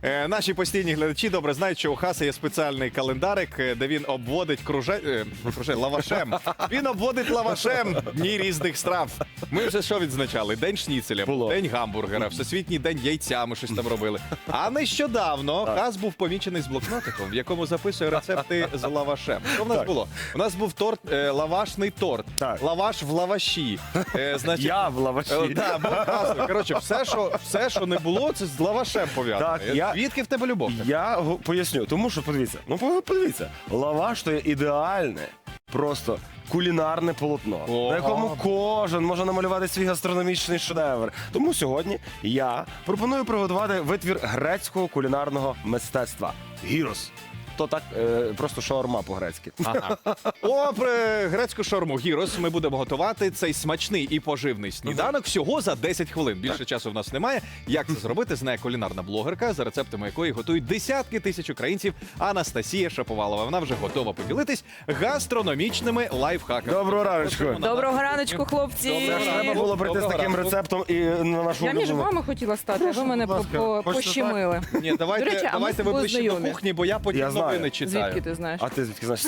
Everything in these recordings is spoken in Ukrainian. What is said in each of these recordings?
Наші постійні глядачі добре знають, що у Хаса є спеціальний календарик, де він обводить лавашем. Він обводить лавашем дні різних страв. Ми вже що відзначали? День шніцеля, день гамбургера, всесвітній день яйця, ми щось там робили. А нещодавно Хас був помічений з блокнотиком, в якому записує рецепти з лавашем. Що в нас було? У нас був торт, лавашний торт, лаваш в лаваші. Я в лаваші. Коротше, все, що не було, це з лавашем пов'язано. Звідки в тебе любов? Я поясню, тому що, подивіться, лаваш – то є ідеальне, просто кулінарне полотно, на якому кожен може намалювати свій гастрономічний шедевр. Тому сьогодні я пропоную приготувати витвір грецького кулінарного мистецтва – гірос. То так, просто шаурма по-грецьки. Про грецьку шаурму гірос ми будемо готувати цей смачний і поживний сніданок всього за 10 хвилин. Більше часу в нас немає. Як це зробити, знає кулінарна блогерка, за рецептами якої готують десятки тисяч українців, Анастасія Шаповалова. Вона вже готова поділитись гастрономічними лайфхаками. Доброго раночку. Доброго раночку, хлопці. Треба було прийти з таким рецептом і на нашу Я між вами хотіла стати, а ви мене пощемили. Ні, давайте ви ближче до кухні, бо я потім новини читаю. Звідки ти знаєш? А ти звідки знаєш?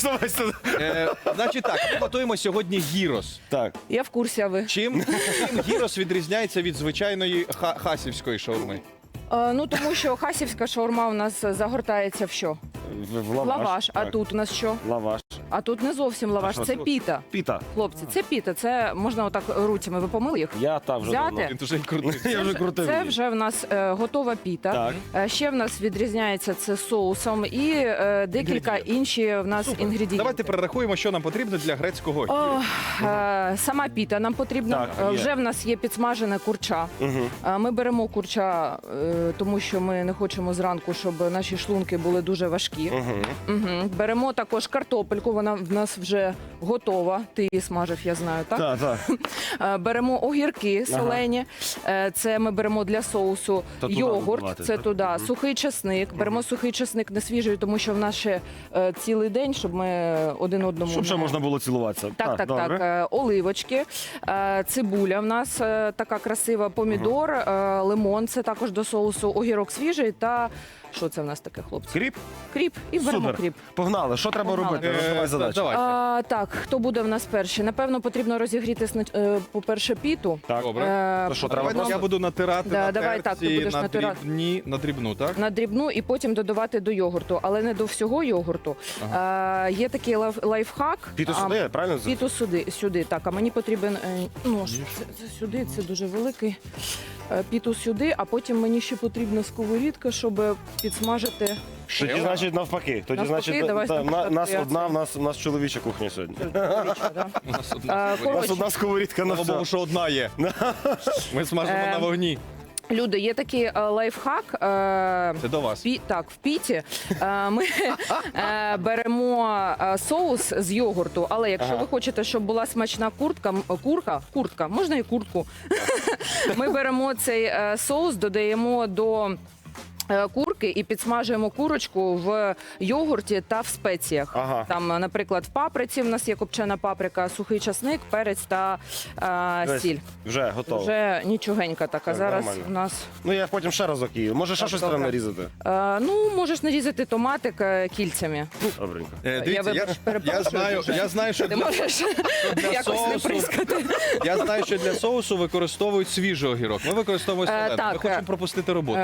Значить так, ми готуємо сьогодні гірос. Так. Я в курсі, а ви? Чим гірос відрізняється від звичайної хасівської шаурми? Тому що хасівська шаурма у нас загортається в що? В лаваш. А тут у нас що? Лаваш. А тут не зовсім лаваш, це піта. Піта. Хлопці, це піта, це можна отак руцями, ви помили їх? Я так вже давно. Він вже крутий. Я вже крутив. Це вже в нас готова піта. Ще в нас відрізняється це соусом і декілька інші в нас інгредієнтів. Давайте перерахуємо, що нам потрібно для грецького гіросу. Сама піта нам потрібна. Вже в нас є підсмажене курча. Ми беремо курча, тому що ми не хочемо зранку, щоб наші шлунки були дуже важкі. Беремо також картопельку, вона в нас вже готова. Ти її смажив, я знаю, так? Так. Беремо огірки солені, це ми беремо для соусу, йогурт, це туди, сухий чесник. Беремо сухий чесник не свіжий, тому що в нас ще цілий день, щоб ми один одному... Щоб ще можна було цілуватися. Так. Оливочки, цибуля в нас така красива, помідор, лимон, це також до соусу, огірок свіжий та... Що це в нас таке, хлопці? Кріп? Кріп. І беремо кріп. Погнали. Що треба робити? Роздавай задачу. Так, хто буде в нас перший? Напевно, потрібно розігріти, по-перше, піту. Так, добре. Що треба? Я буду натирати на давай так, ти будеш натирати. На дрібну, так? На дрібну і потім додавати до йогурту, але не до всього йогурту. Є такий лайфхак. Піту сюди, правильно? Піту сюди, так. А мені потрібен нож. Це сюди, це дуже великий. Піту сюди, а потім мені ще потрібна сковорідка, щоб підсмажити. Тоді, значить, навпаки. Тоді, значить, у нас чоловіча кухня сьогодні. У нас одна сковорідка на Слава Богу, все. що одна є. Ми смажимо на вогні. Люди, є такий лайфхак. Це до вас. В піті ми беремо соус з йогурту, але якщо ви хочете, щоб була смачна курка, можна і куртку. Ми беремо цей соус, додаємо до курки і підсмажуємо курочку в йогурті та в спеціях. Там, наприклад, в паприці в нас є копчена паприка, сухий часник, перець та сіль. Вже готово. Вже нічогенька така. Зараз у нас... Ну, я потім ще разок її. Може, ще щось треба нарізати? Можеш нарізати томатик кільцями. Добренько. Я знаю, що Ти можеш якось не прискати. Я знаю, що для соусу використовують свіжий огірок. Ми використовуємо солений. Ми хочемо пропустити роботу.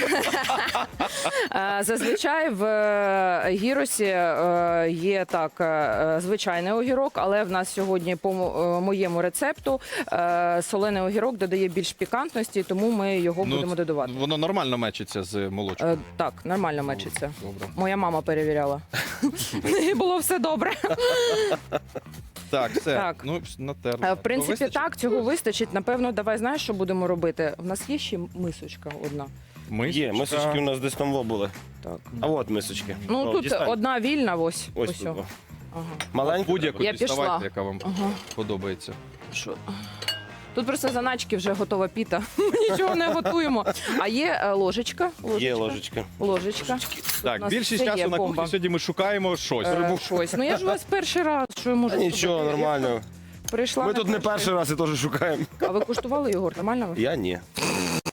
Зазвичай в гіросі є так звичайний огірок, але в нас сьогодні по моєму рецепту солений огірок додає більш пікантності, тому ми його будемо додавати. Воно нормально мечиться з молочком? Так, нормально мечиться. Добре. Моя мама перевіряла. І було все добре. Так, все. Так. Натерли. В принципі, так, цього вистачить. Напевно, давай, знаєш, що будемо робити? В нас є ще мисочка одна. Є, мисочки у нас десь там були. Так. А от мисочки. Тут дістань. одна вільна, ось. Ось тут. Маленька. Будь-яку Я пішла. діставайте, яка вам подобається. Що? Тут просто заначки вже готова піта. Ми нічого не готуємо. А є ложечка. Є ложечка. Ложечка. Так, більшість часу на кухні сьогодні ми шукаємо щось. Щось. Ну я ж у вас перший раз, що я можу. Нічого, нормально. Прийшла. Ми тут не перший раз і теж шукаємо. А ви куштували йогурт? Нормально? Я ні.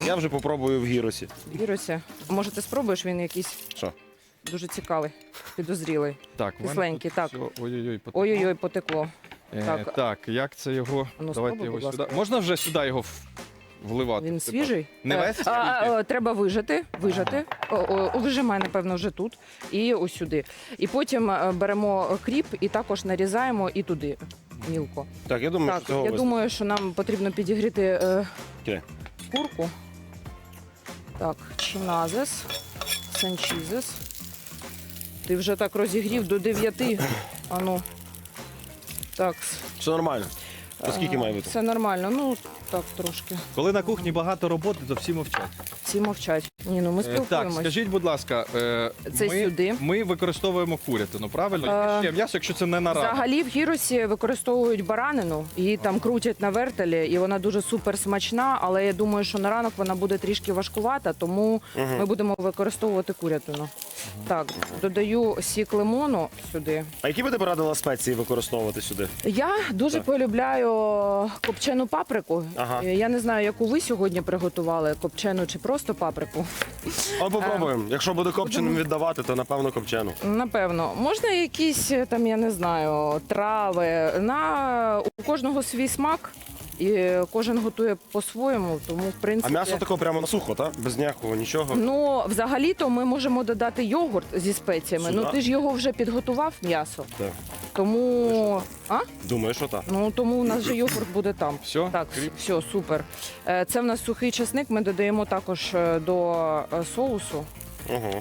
Я вже попробую в гіросі. Вірусі. Може, ти спробуєш, він якийсь Що? дуже цікавий, підозрілий. Так, в мене Кисленький, тут так. всього- Ой-ой-ой, потекло. Ой-ой-ой, потекло. так. Так, як це його? Ну, Давайте спробуй, його будь ласка. сюди. Можна вже сюди його вливати? Він Типа, свіжий? Не весь? Треба вижати. Вижимай, напевно, вже тут. І ось сюди. І потім беремо кріп і також нарізаємо і туди мілко. Так, я думаю, Так, що цього я вистачить. думаю, що нам потрібно підігріти Окей. курку. Так, чиназес, санчізес. Ти вже так розігрів до 9. Ану. Так. Все нормально. То скільки має бути? Все нормально. Ну, так трошки. Коли на кухні багато роботи, то всі мовчать. Всі мовчать. Ні, ну ми Так, спілкуємось. скажіть, будь ласка, Це ми, сюди. ми використовуємо курятину, правильно? Яке ще м'ясо, якщо це не на ранок. Взагалі в гіросі використовують баранину, її там крутять на вертелі, і вона дуже супер смачна, але я думаю, що на ранок вона буде трішки важкувата, тому ми будемо використовувати курятину. Так, додаю сік лимону сюди. А які би ти порадила спеції використовувати сюди? Я дуже полюбляю копчену паприку. Ага. Я не знаю, яку ви сьогодні приготували, копчену чи просто паприку. А попробуємо. Якщо буде копченим віддавати, то напевно копчену. Напевно, можна якісь там, я не знаю, трави. У кожного свій смак, і кожен готує по-своєму, тому в принципі. А м'ясо таке прямо на сухо, так? Без ніякого нічого. Ну, взагалі-то ми можемо додати йогурт зі спеціями. Сюди? Ну ти ж його вже підготував м'ясо. Так. Тому. А? Думаю, що так. Ну тому у нас же йогурт буде там. Все? Так, все, супер. Це в нас сухий чесник. Ми додаємо також до соусу. Ого.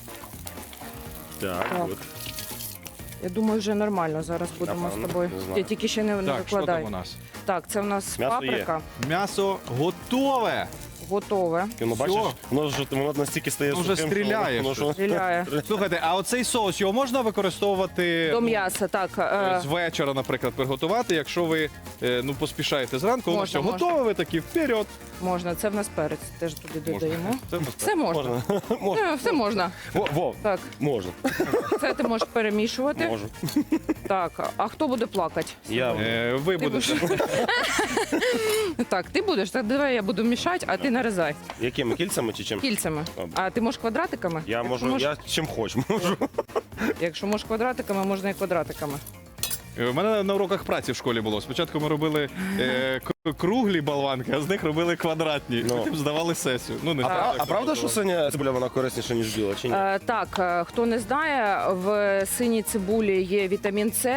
Так, Так. от. Я думаю, вже нормально. Зараз будемо Напевно, з тобою. не знаю. Я тільки ще не Так, що викладай. там у нас? Так, це в нас М'ясо паприка. М'ясо готове. Готове. Ну, Всьо. бачиш, воно настільки стає Ну, вже сухим, що стріляє воно- щось. Стріляє. Слухайте, а оцей соус його можна використовувати До м'яса, так. з вечора, наприклад, приготувати, якщо ви поспішаєте зранку, воно Можна, все можна. готове, ви такі вперед. Можна. Це в нас перець. Теж туди додаємо. Це в нас Все можна. Можна. Можна. Все можна. Во, Так, можна. це ти можеш перемішувати. Можу. Так, а хто буде плакати? Я Ви Ти будете. Так, ти будеш. Так, давай я буду мішати, а ти нарізай якими кільцями чи чим? кільцями. А ти можеш квадратиками? Я Якщо можу, можеш- я чим хочу можу. Якщо можеш квадратиками, можна і квадратиками. У мене на уроках праці в школі було. Спочатку ми робили круглі болванки, а з них робили квадратні. Ну. Потім здавали сесію. Ну, не знаю, як А це правда, що працювало. синя цибуля вона корисніша, ніж біла, чи ні? Так, хто не знає, в синій цибулі є вітамін С.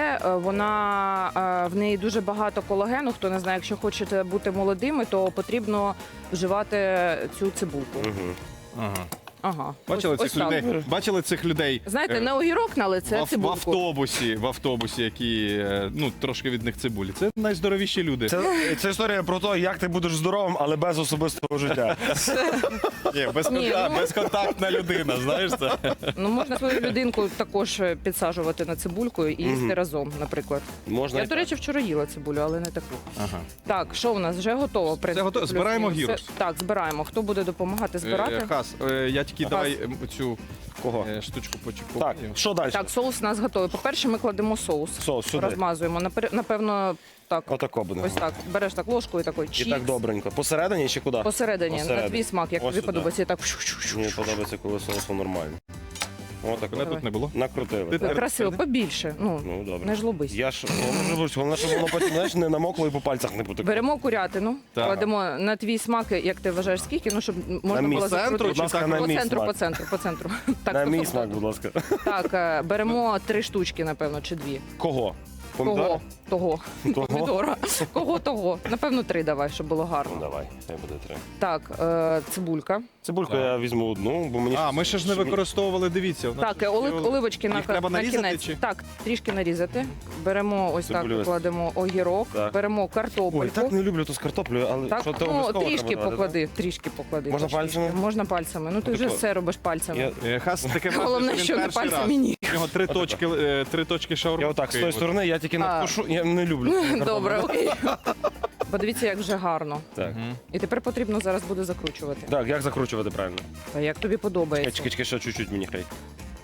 В неї дуже багато колагену. Хто не знає, якщо хочете бути молодими, то потрібно вживати цю цибулку. Угу. Ага. Ага. Бачили Ось цих так. людей? Бачили цих людей? Знаєте, е, не огірок на лице, в цибулку. автобусі, які трошки від них цибулі. Це найздоровіші люди. Це історія про те, як ти будеш здоровим, але без особистого життя. Ні, Ні, ну- безконтактна людина, знаєш це? Ну, можна свою людинку також підсаджувати на цибульку і їсти разом, наприклад. Можна Я, і до речі, вчора їла цибулю, але не таку. Ага. Так, що у нас вже готово? в принципі, готово. плюс-мінус. Збираємо Все- гірус. Так, збираємо. Хто буде допомагати збирати? Хас, я тільки давай цю Кого? штучку Так, почекаю. що далі? Так, соус у нас готовий. По-перше, ми кладемо соус. Соус сюди. Розмазуємо. Напевно, так. Отако буде. Ось так. Береш так ложку і такий І чікс. так добренько. Посередині чи куди? Посередині, на Посередині. твій смак, як Ось тобі сюди. подобається. І так. Мені подобається, коли соусу нормально. Отак. Мене тут не було. Накрутили. Ти так? Красиво, побільше. Ну, Ну, добре. не жлобись. Я ж головне, щоб воно потім знаєш, не намокло і по пальцях не потекло. Беремо курятину, Так. кладемо на твій смак, як ти вважаєш, скільки, ну, щоб можна мій було центру, закрутити. будь ласка, на по мій центру, смак. по центру, по центру. Так, На мій тобто, смак, будь ласка. Так, беремо 3 штучки, напевно, чи 2. Кого? Помідори? Кого? Того. Того? Помідора. Кого того? Напевно, 3 давай, щоб було Ну, гарно. давай, хай буде 3. Так, цибулька. Цибульку Так. я візьму одну, бо мені... А, ми ще ж не використовували, дивіться. у нас Так, ще є оливочки Їх треба на нарізати кінець. чи? Так, трішки нарізати. Беремо ось Цибулю так, ось. кладемо огірок, Так. беремо Ой, картопельку. так не люблю ту з картоплею, але Так, що то ну, обов'язково трішки треба давати, поклади, трішки поклади. Можна Трішки. пальцями? Можна пальцями. Ну, ти вже Отако. все робиш так? пальцями. Хас таке враження, Головне, він що не перший раз. пальцями ніг. У нього три точки шаурми. Я отак, з тої сторони, я тільки А. надкушу, я не люблю. Добре, окей. Подивіться, як вже гарно. Так. І тепер потрібно зараз буде закручувати. Так, як закручувати правильно? А як тобі подобається? Чекай, ще чуть-чуть мені хай.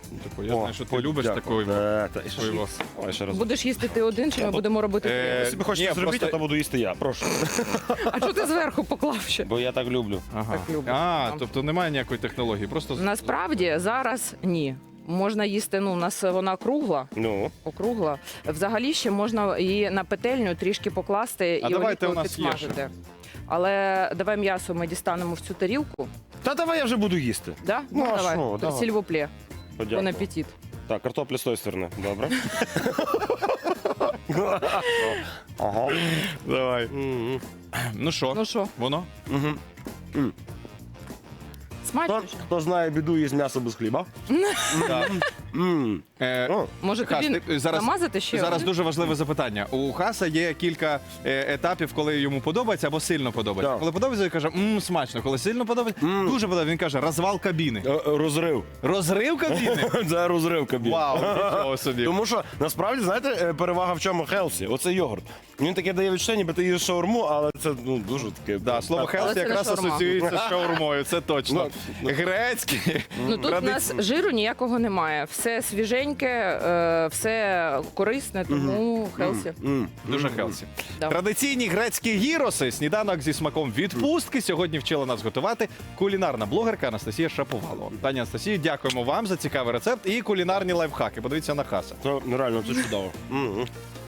Таку, я знаю, що ти любиш такою. І що Такою. ж? Ой, ще раз. Будеш їсти ти один, чи ми будемо робити три? Якщо ви хочете Ні, зробити, просто- то буду їсти я. Прошу. А що ти зверху поклав ще? Бо я так люблю. Ага. Так люблю. Тобто немає ніякої технології, просто Насправді зараз ні. Можна їсти, у нас вона кругла, Ну. округла. Взагалі ще можна її на петельню трішки покласти А і давайте, олійкою у нас є підсмажити. Але давай м'ясо ми дістанемо в цю тарілку. Та давай я вже буду їсти. Да? Ну, а давай. що, давай. Сільвоплє. Подякую. Бон апетит. Так, картопля з тої сторони. Добре. Ага. давай. М-м. Ну що, Ну що, воно? Мгм. смачно? Хто знає біду, їсть м'ясо без хліба. Так. М. О, Може Хас, тобі ти зараз- намазати ще? Зараз один? дуже важливе запитання. У Хаса є кілька етапів, коли йому подобається або сильно подобається. Так. Коли подобається, він каже, смачно. Коли сильно подобається, дуже подобається. Він каже, розвал кабіни. Розрив. Розрив кабіни? Це розрив кабін. Вау, нічого собі. Тому що насправді, знаєте, перевага в чому Хелсі? Оце йогурт. Він таке дає відчуття, ніби ти їш шаурму, але це дуже таке. Да, слово Але хелсі це не якраз шаурма. асоціюється з шаурмою, це точно. Грецький. Ну тут у нас жиру ніякого немає. Все свіженьке, все корисне, тому хелсі. Дуже хелсі. Да. Традиційні грецькі гіроси, сніданок зі смаком відпустки. Сьогодні вчила нас готувати кулінарна блогерка Анастасія Шаповалова. Пані Анастасію, дякуємо вам за цікавий рецепт і кулінарні лайфхаки. Подивіться на Хаса. Це реально це чудово.